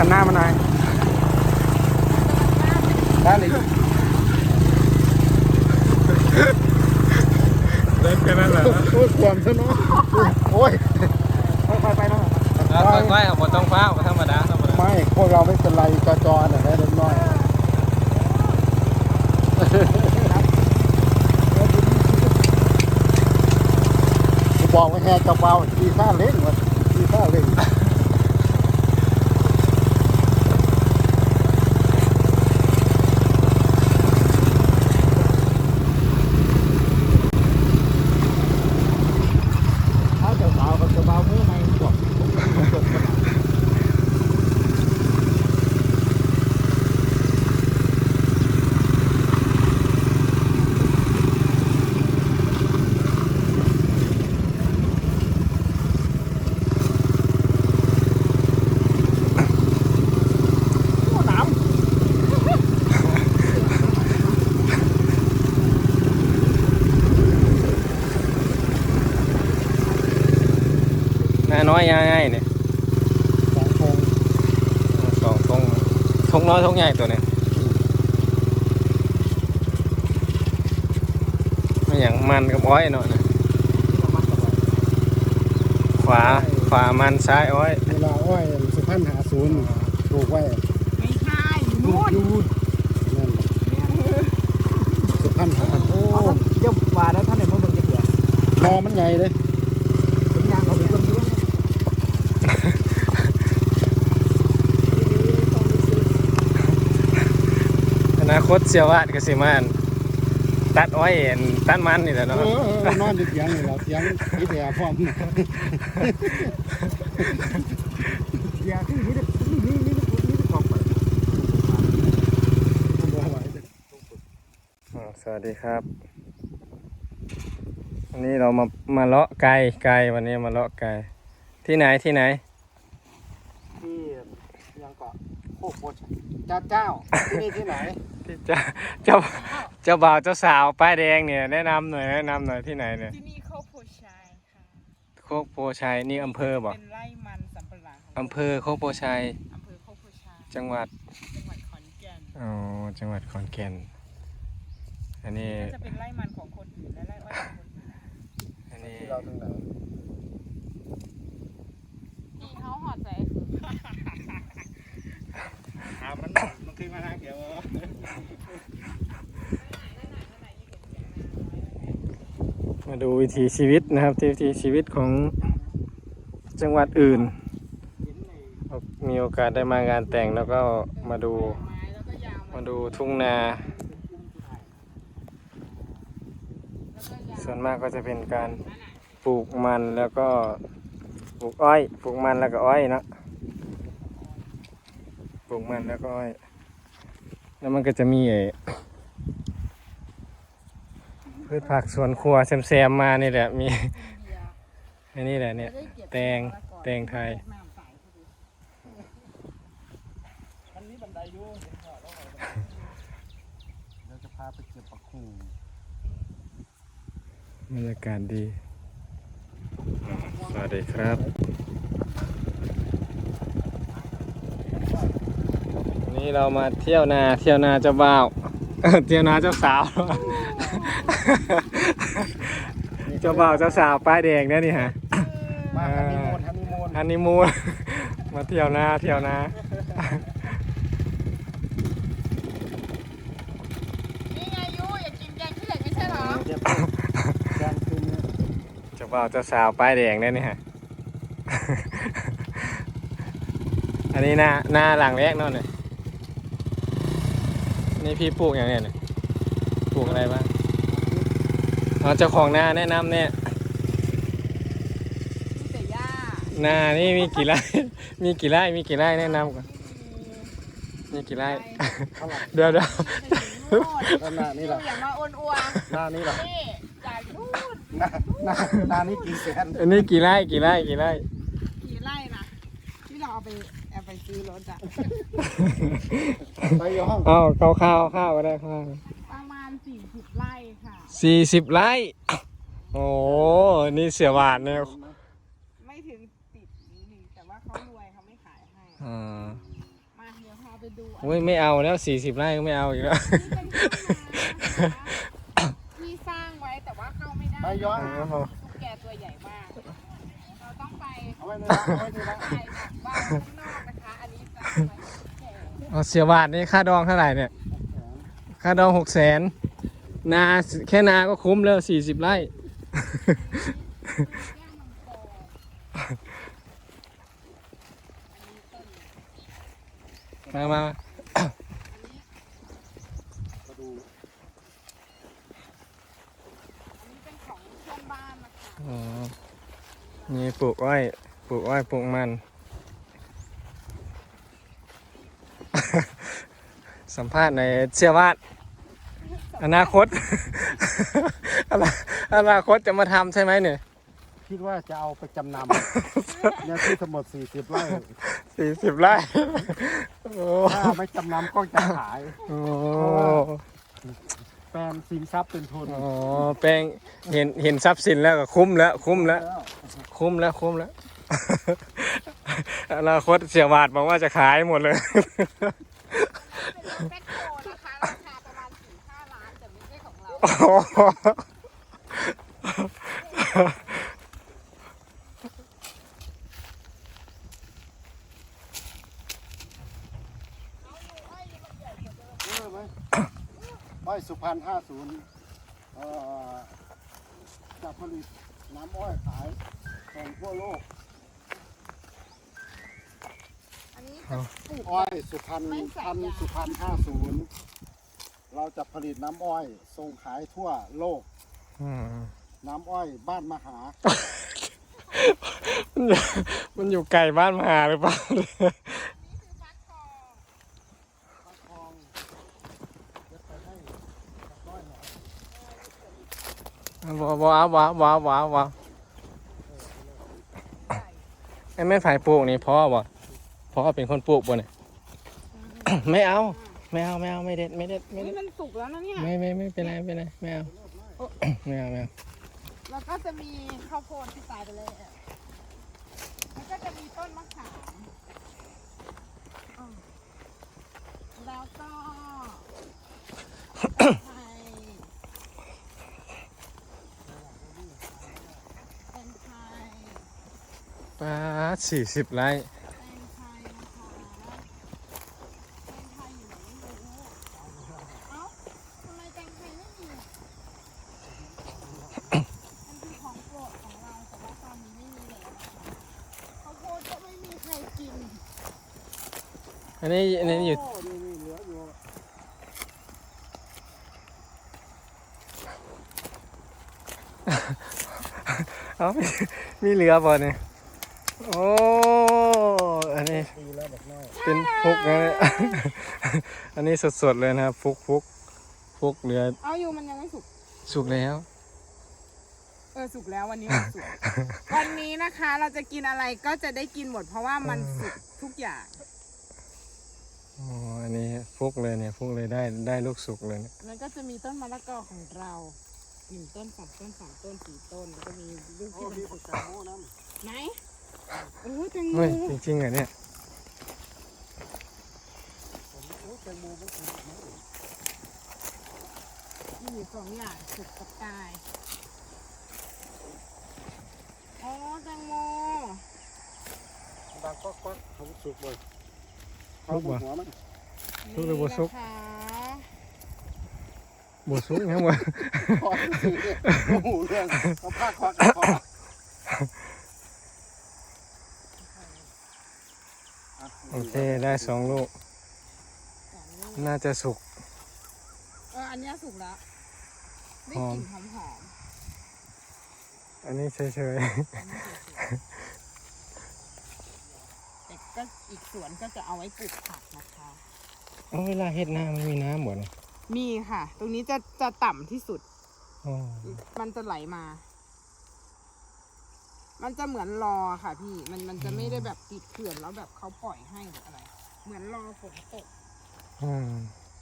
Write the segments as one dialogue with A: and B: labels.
A: หันหน้ามาหน่อยได้เลยเล่นกันนั่นแหละโอ้ยความซะเนาะโอ้ยค่อยๆไปนะ
B: ค่อยๆผมต้องฟ้าธรรมดา
A: ไม่พวกเราไม่เป็นไรจอๆน่ะเล็กน้อยบอกว่าแห่กระเป๋าทีซ่าเล่นวะทีซ่าเล่นถ้ากระเป๋าเมื่อไหร่บอก
B: น้อยง่ายเนี่ยสองทงน้อยทงใหญ่ตัวนี้ไม่อย่างมันกับอ้อยเนาะนะขวามันซ้ายอ้อย
A: เวลาอ้อยสุพรรณ50ปลูกไว้
C: ไม่ใช่นู่น
A: นั่นสุพรรณ50โอ้
C: เจ้าว่าแล้วท่านไหนมาเบิ่งจะเผื่อ
A: นอมันใหญ่เลย
C: เป็นยางเขาเป็นคนด้วย
B: อนาคตเสียวาดกสิมานตัดอ้อยตัดมันนี่แหละเนาะ
A: นอนอยู่เถียงนี่แหละเถียงที่แต่พร้อม
C: อย่าที่นี่กองไป
B: สวัสดีครับวันนี้เรามาเลาะไก่วันนี้มาเลาะไก่ที่ไหน
A: ที่ยังเกาะโคกโคเจ้าที่นี่ที่ไหน
B: ที่เจ้าบ่าวเจ้าสาวป้ายแดงเนี่ยแนะนำหน่อยที่ไหนเนี่ย
C: ที่นี่โคกโพชัยค่ะ
B: โคกโพชัยนี่อำเภอบอก
C: เป็นไร่มันสำปะหลัง
B: อำเภอโคกโพชัยจังหวัด
C: ขอนแก่น
B: อ๋อจังหวัดขอนแก่นอันนี้
C: จะเป็นไร่มันของคนอื่นและไร่อ้อยของคนอื่น
B: อันนี้
A: เราตรงไหน
C: นี่เขาหอดใจคือ
A: มันขึ้นมาทางเดียว
B: มาดูวิถีชีวิตนะครับวิถีชีวิตของจังหวัดอื่นมีโอกาสได้มางานแต่งแล้วก็มาดูทุ่งนาส่วนมากก็จะเป็นการปลูกมันแล้วก็ปลูกอ้อยปลูกมันแล้วก็อ้อยนะปลูกมันแล้วก็อ้อยแล้วมันก็จะมีพืชผักสวนครัวแซมมานี่แหละมีอันนี้แหละเนี่ยแตงไทย
A: เราจะพาไปเก็บผักคู
B: บรรยากาศดีสวัสดีครับวันนี้เรามาเที่ยวนาเจ้าบ่าวเที่ยวนาเจ้าสาวเจ้าบ่าวเจ้าสาวป้ายแดงเนี่ยนี่ฮะ
A: มา
B: ฮันนีมูนมาเที่ยวนา
C: นี่ไงยูอยากกินแกงขี้เหล็กไม่ใช่หรอ
B: เจ้าบ่าวเจ้าสาวป้ายแดงเนี่ยนี่ฮะอันนี้หน้าหลังแรกนั่นเลยนี่พี่ปลูกอย่างเนี้ยปลูกอะไรบ้างเจ้าของนาแนะนำเนี่ยนานี่มีกี่ไร่มีกี่ไร่แนะนำก่อนมีกี่ไร่เดี๋ยว
A: นานี่แหละ
C: อย่ามาอ้วนอัว
A: นานี่แหละ
C: จากนู่น
A: นานี่กี่แสน
B: อันนี้กี่ไร่
C: นะที่เราเอาไปซื้อรถอะ
A: ไปย่อง
B: ข้าวก็ได้ข้าว
C: ประมาณ40 ไร่ค่ะ
B: 40 ไร่โอ้นี่เสียหวานเนี่ย
C: ไม่ถึงติดนิดนึงแต่ว่าเขารวยเขาไม่ขายให้
D: ไปดู
B: โอ้ยไม่เอาแล้ว40 ไร่ก็ไม่เอาอีกแล้ว
D: นี่เป็นห้องน้ำนะคะที่สร้างไว้แต่ว่าเข้าไม่ได้
A: ไปย้อน
D: ตุ๊กแกตัวใหญ่มาก เราต้องไป
A: เอาไว้เลยนะเอาไว้เลยนะ
D: ถ่ายแบบว่าข้างนอกนะคะ อันนี้จะเอาไว้ตุ๊กแก
B: เอาเสียบาทนี่ค่าดองเท่าไหร่เนี่ย ค่าดอง600,000นาแค่นาก็คุ้มแล้ว40 ไร่ มา
A: มาดู
D: อันนี้เป็นของเพื่อนบ้านนะคะ
B: อ๋อนี่ปลูกอ้อยปลูกมัน สัมภาษณ์ในเชื่อว่าอนาคต อนาคตจะมาทำใช่ไหมเนี่ย
A: คิดว่าจะเอาไปจำนำ เนี่ยที่ทั้งหมด40 ไร่
B: 40 ไร่โอ้
A: ถ้าไม่จำนำก็จะขาย
B: โอ้
A: แปลงสินทรัพย์เป็นทุน
B: อ๋อแปลงเห็นทรัพย์สินแล้วก็คุ้มแล้ว อนาคตเสียบาทบอกว่าจะขายหมดเลย
D: เป็นรถแบ็คโฮนะคะ ราคาประมาณ 4-5 ล้านแต่ไม่ใช่ของเรา
A: รู้ไหมอ้อยสุพรรณ50จะผลิตน้ำอ้อยขายส่งทั่วโลก
D: อันนี้จะปลูก
A: อ้อยสุพรรณ
D: ไม่ใส่
A: พัน
D: ยา
A: ธุ์สุพรรณ50เราจะผลิตน้ำอ้อยส่งขายทั่วโลก น้ำอ้อยบ้านมหา
B: มันอยู่ไกลบ้านมหาหรือเปล่า
D: นี่คือฟักทอง
A: ฟักทองจะไปให้กับน้อยหน่อย
B: ว้าวไอ้แม่นฝ่ายปลูกนี่พ่อเป็นคนปลูกบ่เนี่ย ไม่เอาไม่เด็ด
D: นี่มันสุกแล้วนะเนี่ย
B: ไม่เป็นไรไม่เอา
D: แล้วก็จะมีข้าวโพดที่ตายไปเลยอ่ะแล้วก็จะมีต้นมะขามอ่าแล้วก็ไทยเป็นไทย
B: ป้า40 ไร่
D: เป็นไทยนะคะเป็นไทยอยู่ไหนไม่รู้เอ้าทำไมแตงไทยไม่มีอ่ะมันคือของโปรดของเราแต่ว่าตอนนี้ไม่มีแล้วนะคะข้าวโพดก็ไม่มีใครกิน
B: อันนี้อยู่
A: โอ้นี่เหลืออยู่
B: เอามีเหลือบ่เนี่ยโอ้อันนี้
A: ปีแล้วแบบน้อย
B: เป็นฟุกนะเนี่ย อันนี้สดๆเลยนะครับฟุกเหลือ
D: เอาอยู่มันยังไม่สุก
B: สุกแล้ว
D: สุกแล้ววันนี้มันสุก วันนี้นะคะเราจะกินอะไรก็จะได้กินหมดเพราะว่ามันสุกทุกอย่าง
B: อ๋ออันนี้ฟุกเลยเนี่ยฟุกเลยได้ลูกสุกเลยเนี่ย
D: แล้วก็จะมีต้นมะละกอของเรา1 ต้น2 ต้น3 ต้น4 ต้นแล้วก็มีลูก
A: โอ้
D: ที่มัน
A: มี
D: สุ
A: ผั
D: ก
A: กกาดโม่นั่น
D: ไหนโอ้ยแตงโม
B: เฮ้ยจริงๆเหรอเนี่ย
A: โอ้แตงโมไม่ถูกนะ
D: มีอยู่2 อย่างสุกกับตายอ๋อแตงโม
A: ดังก๊อกเขาสุกเลย
B: ฟุกบ่
A: หัวมัน
B: สุกหรือบ่สุก
D: นี่นะคะ
B: บ่สุกยังบ่
A: คอสุกเนี่ยโอ้โหเรื่องเอาผ้าคอกับคออ่ะ
B: โอเคได้2 ลูก น่าจะสุก
D: อันเนี้ยสุกแล้วได้
B: หอก ม
D: ลิ่นหอม
B: อันนี้เฉย
D: ๆอันนี้สุกๆแต่ก็อีกสวนก็จะเอาไว้ปลูกผักนะคะ
B: ๆเอาเวลาเฮ็ดนาไม่มีน้ำบ่เนี่ย
D: มีค่ะ ตรงนี้จะต่ำที่สุด
B: อ๋อ
D: มันจะไหลมา มันจะเหมือนรอค่ะพี่ มันจะไม่ได้แบบติดเขื่อนแล้วแบบเขาปล่อยให้หรืออะไร เหมือนรอฝนตก
B: อืม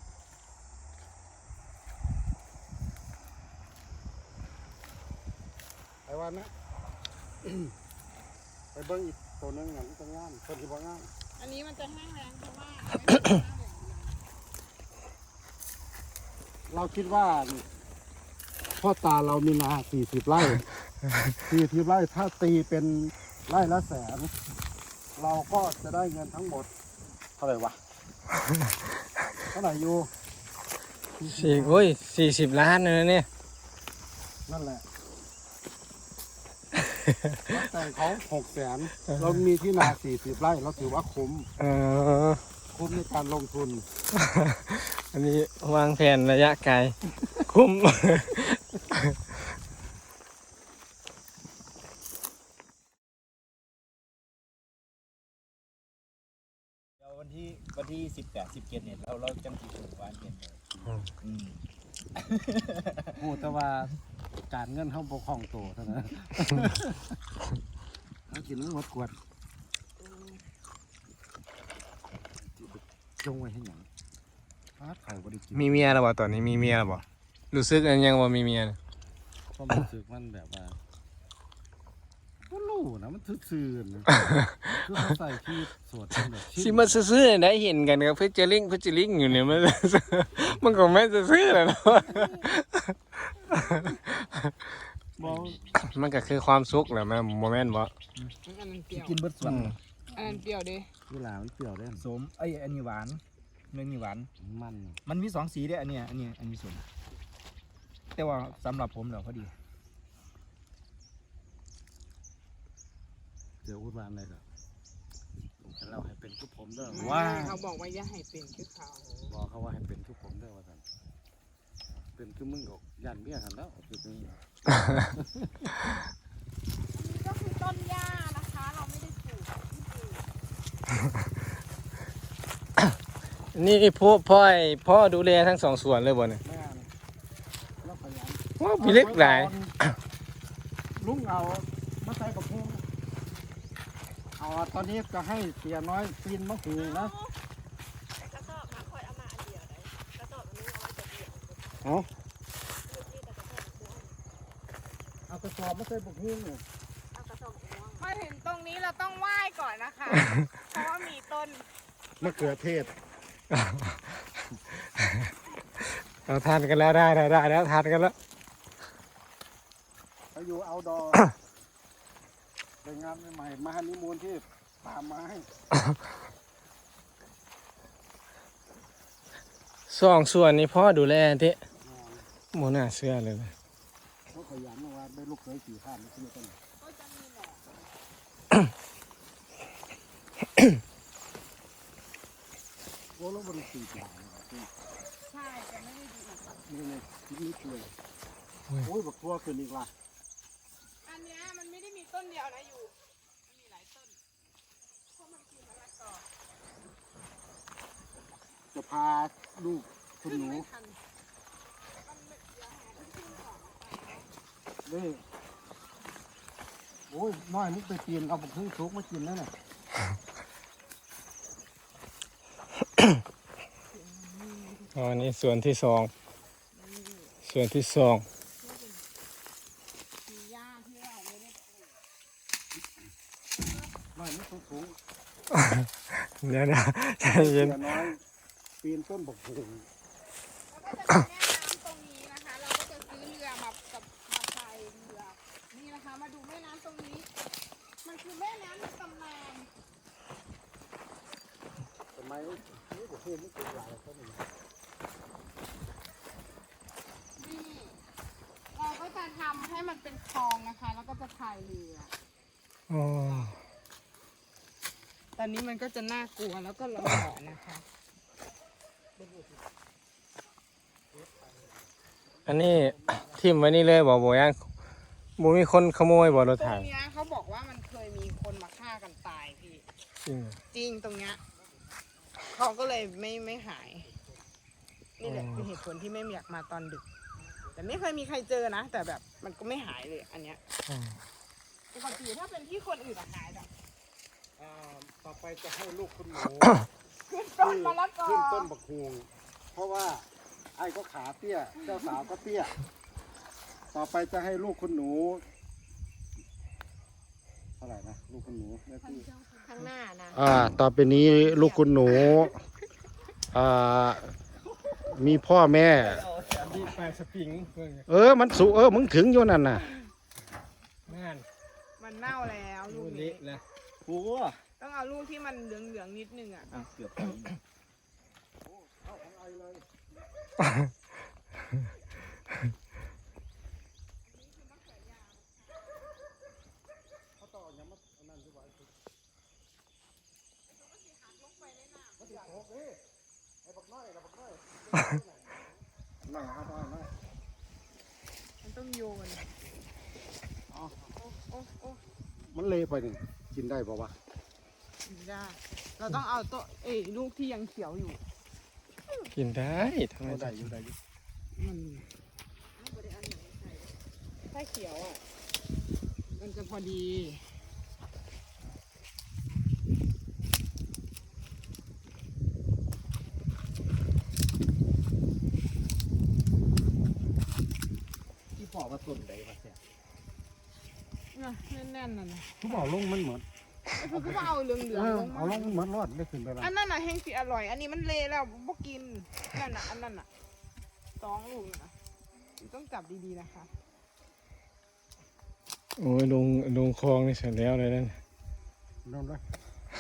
A: ไปวันนะ ไปเบิ้งอีกตัวหนึงอย่างนี้ก็งามคนที่บ่งาม
D: อันนี้มันจะแห้งแล้งเพราะว่าไม่มีน้ำ
A: เราคิดว่าพ่อตาเรามีนา40 ไร่ 40 ไร่ถ้าตีเป็นไร่ละแสน เราก็จะได้เงินทั้งหมดเท่าไหร่วะ เท่าไหร่อยู่
B: 40 ล้านเลยนะเนี่ย
A: นั่นแหละ แต่เขา600,000 เรามีที่นา40 ไร่ เราถือว่าคุ้ม คุ้มในการลงทุน
B: อันนี้วางแผนระยะไกล คุ้ม
C: เดี๋ยววันที่18-17เนี่ยเราจังสิถึงวันเย็นเลยอืม
A: โอ้แต่ว่าการเงินเขาบกคล่องโตเท่านั้น เขากินหมดขวดจงไว้ให้หยังฟาดไข่บ่ได้กิน
B: มีเมียแล้วบ่ตอนนี้มีเมียแล้วบ่รู้สึกอันยังว่ามีเมียน่ะ
A: ความรู้สึกมันแบบว่าก็รู้นะมันซื่อๆนะคือเขาใส่ที่สวดเป็นแบบ
B: สิมาซื่อๆได้เห็นกันกับเพชรลิงอยู่เนี่ยมัน มันก็ไม่ซื่อๆแหละเนาะ
A: บอก
B: มันก็คือความสุขแหละแม่โมเมนต์บ่
D: อันนั้นเปรี้ยว
C: กินเบิดส่วน
D: อันนั้นเปรี้ยวดิ
A: เวลามันเปรี้ยวได้
C: สมไอ้ยอันนี้หวานเนื้อนี่หวาน
A: มัน
C: มันมี2 สีเด้ออันนี้สมแต่ว่าสำหรับผมแล้วพอดี
A: เดี๋ยวพูดว่าอะไรก็เราให้เป็นทุกผมเด้อ
C: ว้า
D: เขาบอกว่าอย่าให้เป็นคือเขา
A: บอกเขาว่าให้เป็นทุกผมเด้อว่าซั่นเป็นคือมึงก็ยันเบี้ยกันแล้วคือนี่
D: อันนี้ก็คือต้นหญ้านะคะ เราไม่ได้ปลูกที่ปลูก
B: นี่พ่อดูแลทั้ง2 ส่วนเลยบ่เนี่ย
A: แม่นแล้วขยัน
B: ว้าวมีเล็กหลาย
A: ลุงเอามาใส่กับพุงเอาตอนนี้จะให้เสียน้อยปีนมะหูนะ
D: กระสอบมาคอยเอามาอันเดียวเลยกระสอบอันนี้เอาไว้จะเดียว
A: เอากระสอบมาใส่กับพุงเนี่ย
D: เอากระสอบม่วงมาถึงตรงนี้เราต้องไหว้ก่อนนะคะ เพราะว่ามีต้น
A: มะเขือเทศ
B: เราทานกันแล้วได้แล้วทานกันแล้ว
A: เขาอยู่เอาดอเป็นงานใหม่ๆมาฮันนีมูนที่ป่าไม้
B: 2 ส่วนนี้พ่อดูแลที่โมน่าเชื่อเลยนะ
A: เขาขยันว่าได้ลูกเคย4 ข้ามนี่คือต้น
D: ก็จะมีแหละ
A: โอ้แล้วบริสุทธิ์อย่าง
D: ใช่จะไม่ได้ดู
A: นี่เลยคิดนิดเลยโอ้ยบักทั่วขึ้นอีกละ
D: อันเนี้ยมันไม่ได้มีต้นเดียวนะอยู่มันมีหลายต้นเพราะมันคือมะละกอ
A: จะพาลูกคุณหนู
D: ไม่ทันมันเดี๋ยวหาที่ขึ้นของไป
A: นี่โอ้ยน้อยนึกไปปีนเอาบักทึ่งซุกมากินแล้วน่ะ
B: อ๋อนี่ส่วนที่ 2 ส่วนที่ 2
D: มีหญ้าที่เราไม่ได้ปลูก
A: น้อยนึกสูง
B: เดี๋ยวนะใจ
A: ๆ
B: เย็น
A: เสียน้อยปีนต้นบักหู
D: แล้วก็จะมีแม่น้ำตรงนี้นะคะ เราก็จะซื้อเรือมาพายเรือนี่นะคะ มาดูแม่น้ำตรงนี้ มันคือแม่น้ำในตำนาน
A: ทำไมนี่บักหูไม่เป็นหลายต้นเลย
D: นี่เราก็จะทำให้มันเป็นคลองนะคะ แล้วก็จะพายเรือ
B: อ๋อ
D: ตอนนี้มันก็จะน่ากลัวแล้วก็ร้อนนะคะ
B: อันนี้ทิ่มไว้นี่เลยบ่ยังบ่มีคนขโมยบ่รถ
D: ตร
B: ถั
D: ง
B: ง
D: เนี้ยเขาบอกว่ามันเคยมีคนมาฆ่ากันตายพี่
B: จริงเหรอ
D: จริงตรงเนี้ยเขาก็เลยไม่หาย นี่แหละคือเหตุผลที่ไม่อยากมาตอนดึก แต่ไม่เคยมีใครเจอนะ แต่แบบมันก็ไม่หายเลยอันเนี้ย
B: อ๋อ
D: ปกติถ้าเป็นที่คนอื่นอะหายแบบ
A: ต่อไปจะให้ลูกคุณหนู
D: ขึ้นต้นมะละกอ
A: ขึ้นต้นบักฮูงเพราะว่าไอ้ก็ขาเตี้ย เจ้าสาวก็เตี้ย ต่อไปจะให้ลูกคุณหนูเท่าไหร่นะลูกคุณหนูแม่พี่
D: ข้างหน้านะ
A: ต่อไปนี้ลูกคุณหนูมีพ่อแม่
B: ที่ปลายสปริงเพิ่ง
A: มันสูมึงถึงอยู่นั่นน่ะ
B: นั่น
D: มันเน่าแล้วลู
B: ดู
D: ก
B: เละ
D: นี้
B: นะ
C: โอ้
D: ต้องเอาลูกที่มันเหลืองๆนิดนึงอ่ะ
C: อ่ะเกือบไป
D: มันต้องโยนโอ้โอ้
A: มันเละไปนี่กินได้ป่าวะ
D: ได้เราต้องเอาตัวลูกที่ยังเขียวอยู่
B: กินได้ทำไม
A: ได้อยู่ได้อยู่
D: ถ้าเขียวอ่ะมันจะพอดี
C: ที่พ่อว่าต้นใดมาเสีย
D: แน่นๆนั่นนะ
A: ทุกเอาลงมันเหมือน
D: คือก็เอาเหลืองๆลง
A: เอาลงเหมือนรอดได้ขึ้นไปแล้ว
D: อันนั้นน่ะแห้งสีอร่อย อันนี้มันเละแล้วบ่กินนั่นน่ะอันนั้นน่ะ2 ลูกนะต้องจับดีๆนะคะ
B: โอ้ยลงคลองนี่เสร็จแล้วเลยนั่น
A: ลงเลย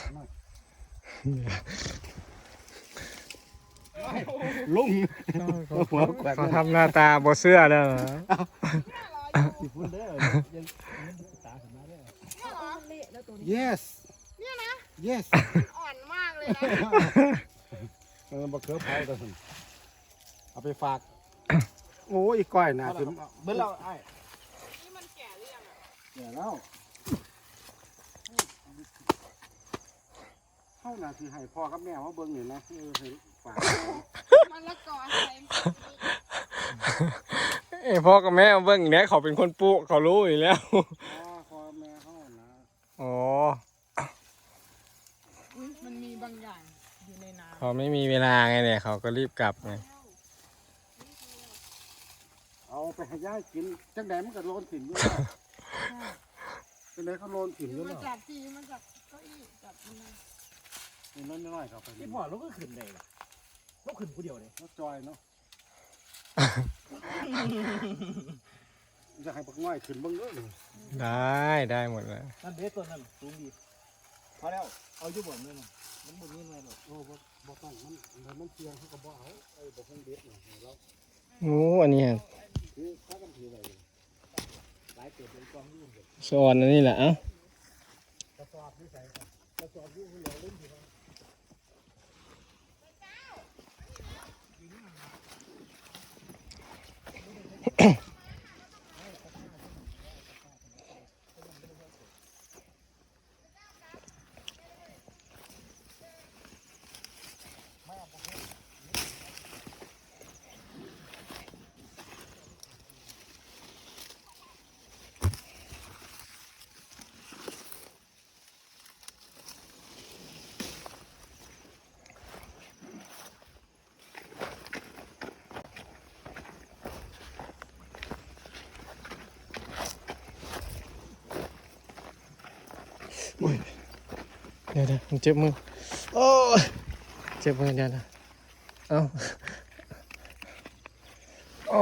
A: ลุง
B: เขาทำหน้าตาบ่เสื้อแล้วเหรอ
C: ที่พุ่นเด้อยังตาสมาเด้อ
A: yes
D: เนี่ยนะ
A: yes
D: อ่อนมากเลยนะ
A: บะเขือเผาแต่สิเอาไปฝาก โอ้ยก้อยน่ะสิ
C: เบิ่งเราไอ้
D: นี่มันแก่หรือยังอ่ะ
A: เนี่ยแล้วเข้าน่ะสิให้พ่อกับแม่ว่าเบิ่งนี่นะให้ฝาก
D: มันละกอใส่
B: พ่อกับแม่เบิ่งเนี่ยเขาเป็นคนปลูกเขารู้อยู่แล้ว
A: พ่อแม่เขานะ
B: อ๋อ
D: มันมีบางอย่างอยู่ในน้
B: เขาไม่มีเวลาไงเนี่ยเขาก็รีบกลับไง
A: เอาไปให้ย่ากินจังใดมันก็โลนถิ่นอยู่แล้วจังใดเขาโลนถิ่นอยู่
D: ำมั
A: แล้
D: น
A: ว
D: จับทีมันจับเก้าอี้จับมันมา
A: นี่น้อยๆครับไป
C: ที่พ่อเราก็ขึ้นได้ล่ะเราขึ้นผู้เดียวเลย
A: แล้วจอยเนาะจะให้ปักน้อยขึ้นเบิ่งเด้อนี่
B: ได้หมดแล้ว
C: นั่นเด็ต้นนั่นสูงดีพอแล้วเอาอยู่บ่เลยนะมันบ่มีหน่วยหรอก
A: โอ้บ่ต้องมันเสียงเขาก็บ่เอาบ่คงเด็ดนี่แล้ว
B: โอ้อันนี้
A: คือเขากันถือไว้
C: หลายเติบเป็นกองอยู่เด้อ
B: สอนอันนี้แหละเอ้าก
A: ระสอบนี่ใส่ครับกระสอบอยู่เหลือเล่นทีละ
B: เดี๋ยวผมเจ็บมือโอ้ยเจ็บมือเดี๋ยวนะเอ้าโอ้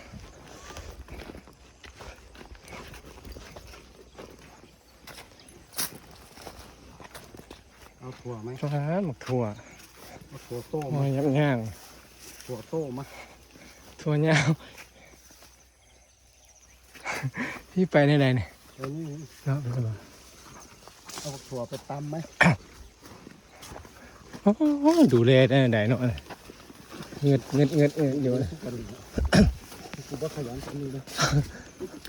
A: เอาถั่วไหม
B: ฟ้าหมกถั่ว
A: เอาถั่วโต้
B: โอ้
A: มาย
B: ยับย่าง
A: ถั่วโต้มา
B: ถั่วยาว พี่ไปในใดเนี่ย
A: เดี๋ยวนี้
B: เนาะเป็นไง
A: เอาถั่วไปตำไหม
B: โอ้ยดูแลได้ใดเนาะเงืดอยู่นะ
A: กูบ่ขยันทำนี่เลย